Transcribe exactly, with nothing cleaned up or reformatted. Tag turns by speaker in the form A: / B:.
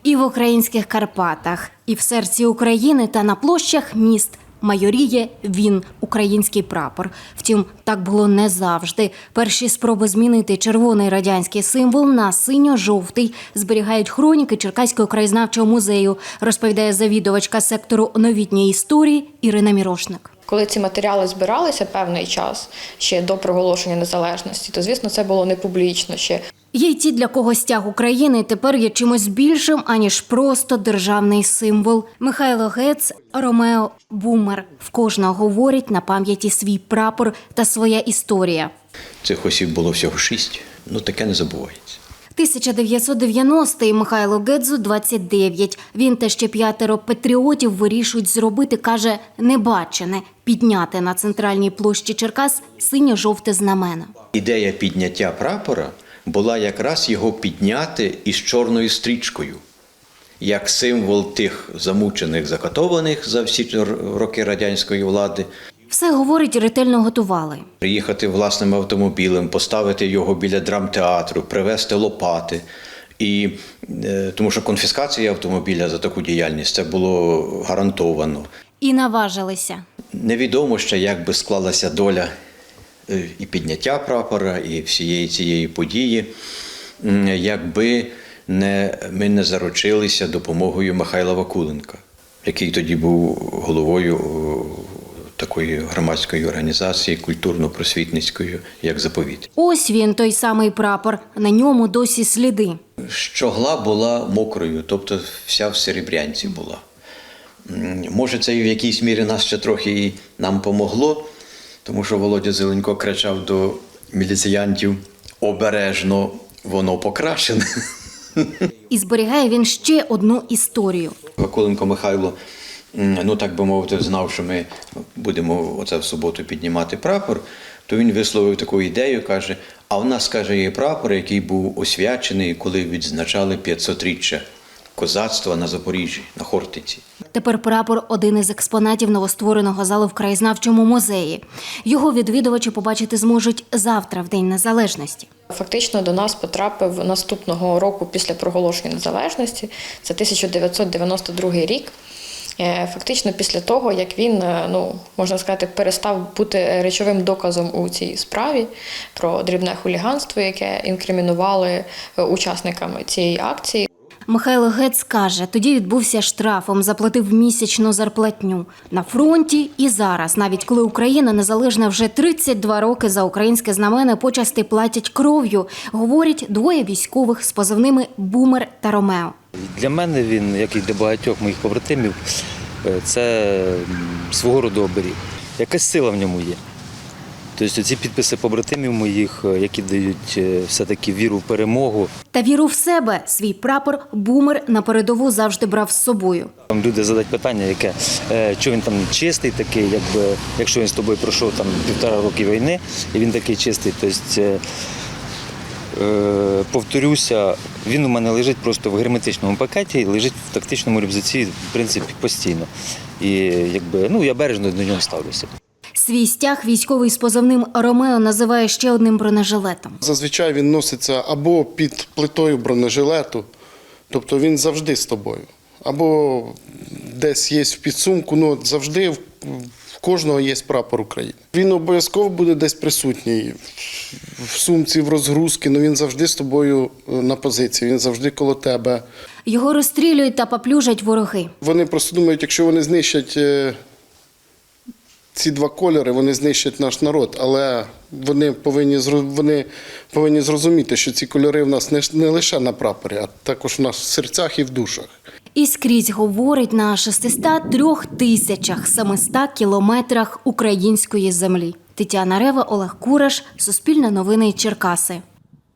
A: І в українських Карпатах, і в серці України та на площах міст майоріє він, український прапор. Втім, так було не завжди. Перші спроби змінити червоний радянський символ на синьо-жовтий зберігають хроніки Черкаського краєзнавчого музею, розповідає завідувачка сектору новітньої історії Ірина Мірошник.
B: Коли ці матеріали збиралися певний час, ще до проголошення незалежності, то, звісно, це було не публічно ще.
A: Є й ті, для кого стяг України тепер є чимось більшим, аніж просто державний символ. Михайло Гец, Ромео, Бумер. В кожного говорить на пам'яті свій прапор та своя історія.
C: Цих осіб було всього шість, ну таке не забувається.
A: тисяча дев'ятсот дев'яностий, Михайло Гедзу двадцять дев'ять. Він та ще п'ятеро патріотів вирішують зробити, каже, небачене – підняти на центральній площі Черкас синьо-жовте знамено.
C: Ідея підняття прапора була якраз його підняти із чорною стрічкою, як символ тих замучених, закатованих за всі роки радянської влади.
A: Все, говорить, ретельно готували.
C: Приїхати власним автомобілем, поставити його біля драмтеатру, привезти лопати. І, тому що конфіскація автомобіля за таку діяльність – це було гарантовано.
A: І наважилися.
C: Невідомо ще, як би склалася доля і підняття прапора, і всієї цієї події, якби не, ми не заручилися допомогою Михайла Вакуленка, який тоді був головою такої громадської організації, культурно-просвітницької, як «Заповіт».
A: Ось він, той самий прапор. На ньому досі сліди.
C: Щогла була мокрою, тобто вся в серебрянці була. Може, це і в якійсь мірі нас ще трохи і нам помогло, тому що Володя Зеленко кричав до міліціянтів: «Обережно, воно покрашене».
A: І зберігає він ще одну історію.
C: Вакуленко Михайло, ну так би мовити, знав, що ми будемо оце в суботу піднімати прапор, то він висловив таку ідею, каже: а в нас, каже, є прапор, який був освячений, коли відзначали п'ятсотріччя козацтва на Запоріжжі, на Хортиці.
A: Тепер прапор – один із експонатів новоствореного залу в краєзнавчому музеї. Його відвідувачі побачити зможуть завтра, в День Незалежності.
B: Фактично до нас потрапив наступного року після проголошення незалежності, це тисяча дев'ятсот дев'яносто другий рік. Фактично після того, як він, ну, можна сказати, перестав бути речовим доказом у цій справі про дрібне хуліганство, яке інкримінували учасникам цієї акції.
A: Михайло Гец каже, тоді відбувся штрафом, заплатив місячну зарплатню. На фронті і зараз, навіть коли Україна незалежна вже тридцять два роки, за українське знамено почасти платять кров'ю, говорять двоє військових з позивними «Бумер» та «Ромео».
D: Для мене він, як і для багатьох моїх побратимів, це свого роду оберіг. Якась сила в ньому є. Тобто ці підписи побратимів моїх, які дають все-таки віру в перемогу.
A: Та віру в себе свій прапор «Бумер» на передову завжди брав з собою.
D: Там люди задають питання, яке, що він там чистий такий, якби, якщо він з тобою пройшов там півтора роки війни, і він такий чистий. Тобто, повторюся, він у мене лежить просто в герметичному пакеті, лежить в тактичному рюкзаці, в принципі, постійно. І якби, ну, я бережно до нього ставлюся.
A: Свій стяг військовий з позивним «Ромео» називає ще одним бронежилетом.
E: Зазвичай він носиться або під плитою бронежилету, тобто він завжди з тобою. Або десь є в підсумку, ну завжди в кожного є прапор України. Він обов'язково буде десь присутній в сумці, в розгрузці, але він завжди з тобою на позиції, він завжди коло тебе.
A: Його розстрілюють та поплюжать вороги.
E: Вони просто думають, якщо вони знищать ці два кольори, вони знищать наш народ, але вони повинні, вони повинні зрозуміти, що ці кольори в нас не, не лише на прапорі, а також в нас в серцях і в душах.
A: І скрізь говорить на шестистах трьох тисячах семистах кілометрах української землі. Тетяна Рева, Олег Кураш, Суспільне новини, Черкаси.